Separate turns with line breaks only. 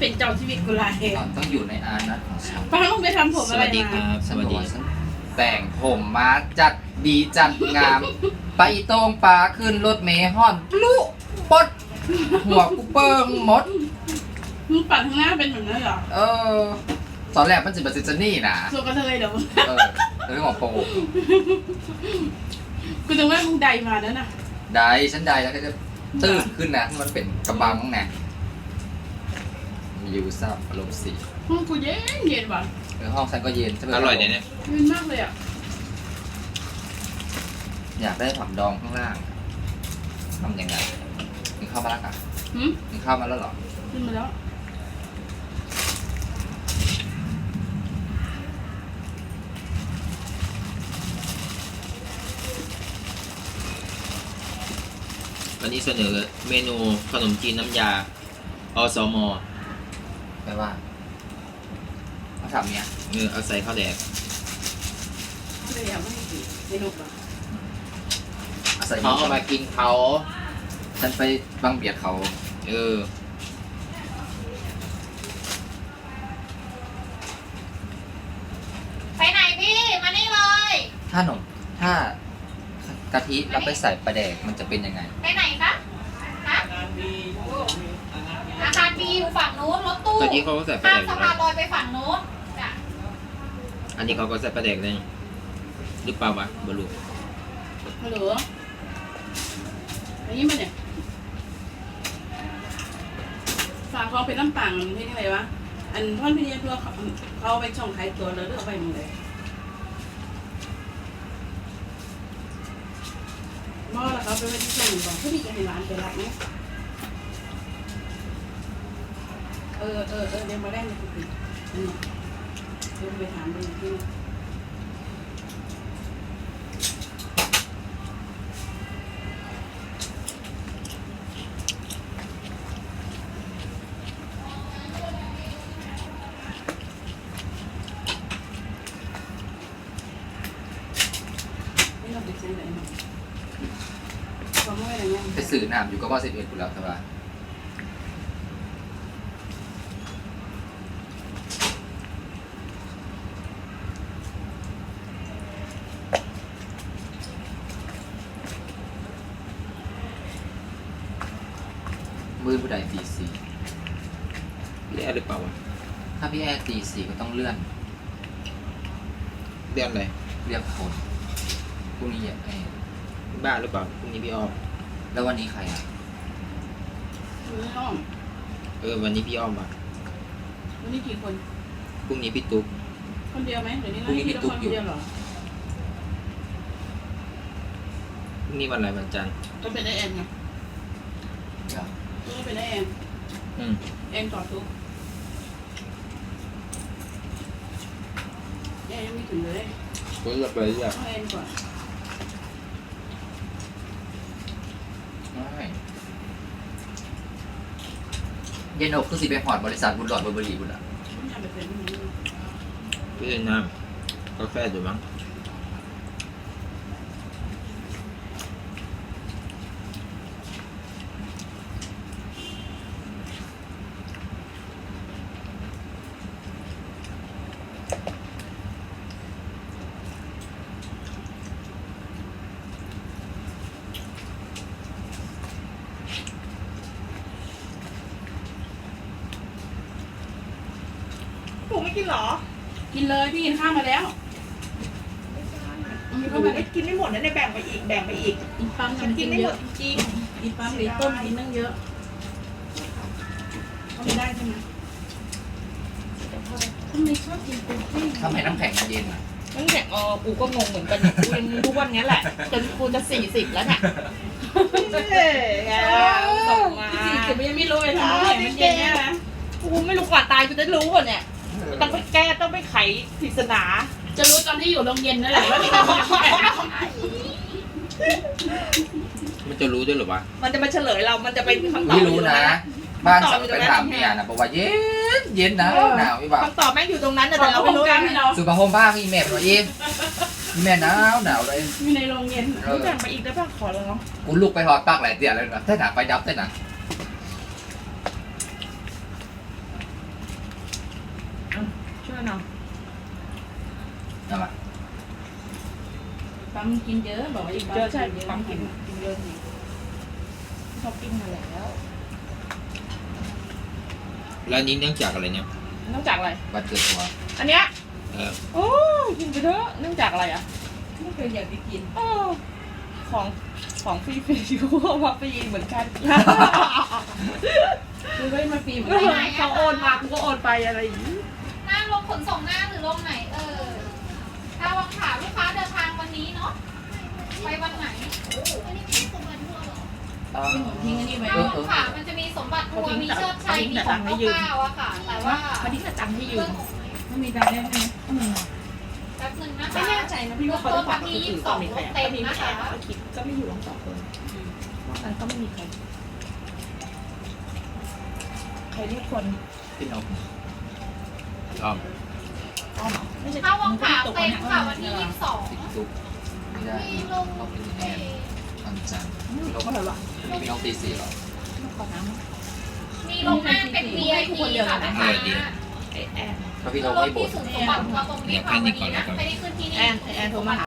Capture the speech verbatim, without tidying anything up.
เป็นเจ้าชีวิตกูไร
ต้องอยู่ในอานัตของฉัน
ป้าต้องไปทำผม
ส
อะไร
วัสดีค
มา
รับสวัสดี
ฉันแต่งผมมาจัดดีจัดงาม ไปตรงป่าขึ้นรถเมล์ห่อนปลุปดหัวกูเปิ้งหมด
มึงปัดข้างหน้าเป็นแบบนั้นเหรอ
เออตอนแรกมันจะเป็นซิจนี่นะ
ส่วนกระเทยเดี๋ยว
เออเรื่องของโป
กูจะว่ามึงใดมาแล้วน่ะ
ได้ฉันได้แล้วก็จะตื้นขึ้นนะมันเป็นกระบังนะมียูซับอารมณ์สี
ห้องกูเย็นเย็นว่ะ
เออห้องฉันก็เย็นใช่ไหม
อร่อยเนี่ยเนี่ย
เย็นมากเลยอ่ะ
อยากได้ผักดองข้างล่างทำยังไงกินข้าวมาแล้วกัน
หืม
กินข้าวมาแล้วเหรอ
ขึ้นมาแล้ว
วันนี้เสนอเมนูขนมจีนน้ำยาอสม
แปลว่าเขาทำเนี้ย
เออเอาใส่ข้าวแดก
เลยอ่ะไม่ให้กินไม่รู้ป่ะ
อาศัย
เขาเอามากินเขา
ฉันไปบังเบียดเขา
เออ
ไปไหนพี่ มานี่เลย
ถ้าหนมถ้ากะทิเราไปใส่ปลาแดกมันจะเป็นยังไง
ไปไหนคะฮะอาคารบีอยู่ฝั่งนู้นรถตู้
ตอนนี้เขาก็ใส่ปลา
ข้า
แด
ม
ก
สะ
แล้
พาน
ว
ลอยไปฝั่งนู้นจ้ะ
อันนี้เขาก็ใส่ปลาแดกเลยหรือเปล่าวะบลู
ฮัลโหลอันนี้มันเนี่ยฝากเขาเป็นน้ำปังมันเป็นยังไงวะอันท่อนพิเศษตัวเขาเขาเอาไปช่องขายตัวแล้วเลือกเอาไปมึงเลยมอแล้วเขาไปไว้ที่ช่องบอกผู้ดีจะให้ร้านไปรับไหมเออเออเออเดี๋ยวมาแรกเลยคุณพี่อันนี้เดี๋ยวไปถามดูอีกที่นึงไม่ต้องไปซื้อไหนมาความไม่อะไรเงี้ย
ไปสื่อน้ำอยู่ก็ว่าสิบเอ็ดกูแล้วแต่ว่า มือผู้ใดตีสี่
เรียกหรือเปล่าวะ
ถ้าพี่แอร์ตีสี่ก็ต้องเลื่อน
เรียกอะไร
เรียกคนพรุ่งนี้อย่าไอ้
บ้าหรือเปล่าพรุ่งนี้พี่อ้อม
แล้ววันนี้ใครอ่ะ
ไม่ต้อง
เออวันนี้พี่อ้อมว่ะ
วันนี้กี่คน
พรุ่งนี้พี่ตุ๊ก
คนเดียวไหมเดี๋ยวนี้นะที่ต้องคนเดียวเหรอ
พรุ่งนี้วันอะไรวันจันทร์
ก็เป็นไอแอนไง
เดี๋ยว
ก็เป็นไอแอน
อืม
แอนต่อทุกแอนยังไม่ถึงเลย
ก็จะไปเรียก
ต้องแอนก่อน
ไม่เย็นอกคือสิไปหอดบริษัทบุญหลอดบุญบรีบุญอ่ะ
ไม่อยากไปเป็นแบบนี้
พี่เล่นน้ำกาแฟอยู่มั้ง
ถูกไม่กินเหรอ
กินเลยพี่กินข้าวมาแล้วมี
ห
เข้า
นู
มา
ไม่กินไม่หมดนะเนี่ยแบ่งไปอีกแบ่งไปอีก
กินปั๊ม
ฉันกินไม่หมดจริง
กินปั๊มหรือต้มกินนั่งเยอะเขาไม่ได้ใช่ไหมทำไมชอบกินเป็นเส้น
ทำไมน้ำแข็งมันเย็นอ่ะ
ๆนั่นแหละเออกูก็งงเหมือนกันเนี่ยกูยังทุกวันนี้แหละจนกูจะสี่สิบแล้วเนี่ยเฮ้ยส่งมา
สี่สิบยังไม่รู้เลยทำไมมันเย็นเนี่ยนะ
กูไม่รู้กว่าตายกูจะรู้ก่อนเนี่ยต้องไปแก้ต้องไปไขปริศนา
จะรู้ตอนที่อยู่โรงเย็นนั่นแหละว่า
มันจะรู้ด้วยเหรือวะ
มันจะมาเฉลยเรา มันจะเป็นคำตอบ
ไม่รู้นะ บ้านฉัน
อยู่ต
ไป
รงนั้น
ถามเมียนะบอกว่าเย็นเย็นนะหนาวอีบ่า
คำตอบแม่งอยู่ตรงนั้นน่ะ
แต่
แต่
เรา
เรา
ไม่
ไม่
รู้
รู้
กั
กัน น
ที่เรา
สุภาพมบ้างอีแม่บอกอีแม่หนาวหนาวเลย
มีในโรงเย็น
เออ
แบ่งไปอีกได้ป่ะขอเลยเนาะ
กูลุกไปหอดปากหลายเตียเลยนะเต้นหนาไฟดับเต้นหนา
ช่วยหน่อย
เอามา
ปั๊มกินเยอะบอกว่าอีก
เยอะใช่
เยอะ
ปั๊มกินกินเยอะนี่ชอบกินมาแล้ว
แล้วอันนี้เนื่องจากอะไรเนี่ย
นอกจากอะไร
บัตรเกิดตัว
อันเนี้ย
เออ
โอ้ยกินไปเถอะเนื่องจากอะไรอ่ะ
ไม่เคยอยากไปกิน
อ้อของของฟรีฟรีๆกูเอามาฟรีเหมือนกัน
คือไม่มาฟรีเหมือน
เขา
กัน
โอนมากูก็โอนไปอะไรอย่างนี้
หน้าลงขนส่งหน้าหรือลงไหนเออถ้าวังขาลูกค้าเดินทางวันนี้เนาะ ไปวันไหนอันนี้ไม่สมบัติทัวร์หรอ
เออ
ทิ้งอันนี้ไว้
ถ้าวังขามันจะมีสมบัติทัวร์มีเชิดชัย มีของเก้าเก้าอะค่ะ แต่ว่า
มาที่กระจังให้ยื
เรื่อ
ม
งของ
ไม่มีตังค์ได้ไหม
แป๊บนึงนะคะ
ไม่แน่ใจนะพี่ว่าเขาจะฝากคน
ที่
อื่
ยี่
น
สิบส
ต่อ
อง
มีใคร
เต็ม
มี
นะ
แค่
คะ
ก็คิดก็ไม่อยู่ลงสองคนนอกนั้นก็ไม่มีใคร ใครเรียกคน
พี่นก
อ้อม
อ้อมเหรอไม่ใช่
ถ้าวังขาเต็มค่ะวันที่ยี่สิบสอง
ติดตุกไม่ได้
มีลง
ต้องเป็นแอนวันจันทร์พี่นก
ก็เลยวะ
พี่นกตีสี่เหรอ
ขอน้ำ
มีลงหน้าเป็น วี ไอ พี ค่ะลูกค้า
ไอแอน
เพราะพี่น
คือก รถ
ไม่บ่
ที่
น
สุดสมบัติของเราตรงนี้ค่ะวันนี้นะไม่ได้ขึ้นที่นี่
แอนไอแอนโทรมาหา